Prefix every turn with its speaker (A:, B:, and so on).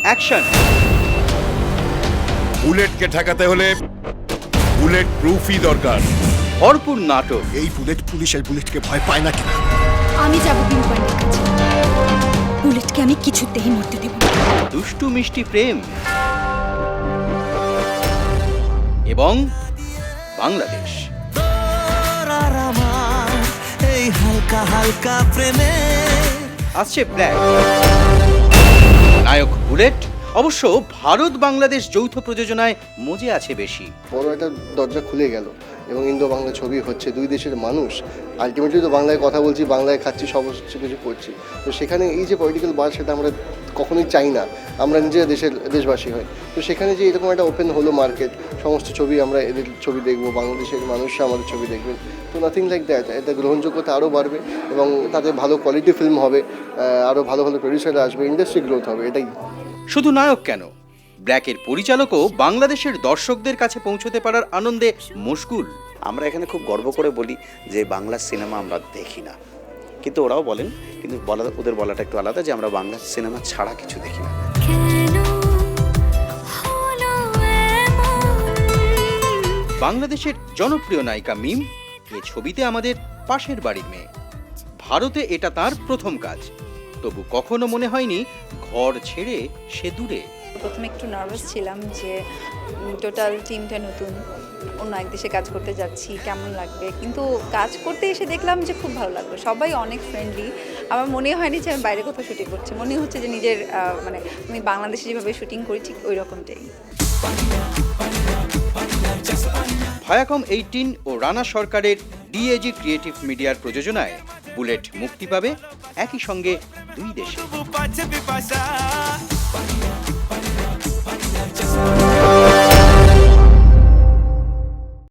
A: Action.
B: বুলেটকে ঠেকাতে হলে bullet প্রুফই দরকার।
A: ভরপুর নাটক।
C: এই বুলেট পুলিশের বুলেটকে ভয় পায় না কিনা?
D: আমি যাব বিনু পান্ডের কাছে। বুলেটকে আমি কিছুতেই মরতে দেব না।
A: দুষ্টু মিষ্টি প্রেম এবং বাংলাদেশ।
E: এই হালকা হালকা প্রেমে
A: আসছে ব্ল্যাক। নায়ক বুলেট। অবশ্য ভারত বাংলাদেশ যৌথ প্রযোজনায় মজে আছে বেশি।
F: বড় একটা দরজা খুলে গেল এবং ইন্দো বাংলা ছবি হচ্ছে, দুই দেশের মানুষ আলটিমেটলি তো বাংলায় কথা বলছি, বাংলায় খাচ্ছি, সমস্ত কিছু করছি। তো সেখানে এই যে পলিটিক্যাল বার, সেটা আমরা কখনোই চাই না। আমরা নিজেরা দেশবাসী হই। তো সেখানে যে এরকম একটা ওপেন হলো মার্কেট, সমস্ত ছবি আমরা এদের ছবি দেখবো, বাংলাদেশের মানুষরা আমাদের ছবি দেখবেন। তো নাথিং লাইক দ্যাট। এটা গ্রহণযোগ্যতা আরও বাড়বে এবং তাতে ভালো কোয়ালিটি ফিল্ম হবে, আরও ভালো ভালো প্রডিউসাররা আসবে, ইন্ডাস্ট্রি গ্রোথ হবে। এটাই।
A: শুধু নায়ক কেন, ব্ল্যাকের পরিচালকও বাংলাদেশের দর্শকদের কাছে পৌঁছতে পারার আনন্দে মশগুল।
G: আমরা এখানে খুব গর্ব করে বলি যে বাংলা সিনেমা আমরা দেখি না, কিন্তু ওরাও বলেন, কিন্তু ওদের বলাটা একটু আলাদা, যে আমরা বাংলা সিনেমা ছাড়া কিছু দেখি না।
A: বাংলাদেশের জনপ্রিয় নায়িকা মিম এ ছবিতে আমাদের পাশের বাড়ির মেয়ে। ভারতে এটা তার প্রথম কাজ, তবু কখনো মনে হয়নি ঘর ছেড়ে সে দূরে।
H: প্রথমে একটু নার্ভাস ছিলাম যে টোটাল টিমটা নতুন, অন্য এক দেশে কাজ করতে যাচ্ছি, কেমন লাগবে। কিন্তু কাজ করতে এসে দেখলাম যে খুব ভালো লাগলো, সবাই অনেক ফ্রেন্ডলি। আমার মনে হয়নি যে আমি বাইরে কোথাও শুটিং করছি, মনে হচ্ছে যে নিজের মানে আমি বাংলাদেশে যেভাবে শুটিং করি ঠিক ওই রকমটাই।
A: ভায়াকম 18 ও রানা সরকারের ডিএজি ক্রিয়েটিভ মিডিয়ার প্রযোজনায় বুলেট মুক্তি পাবে একই সঙ্গে দুই দেশে।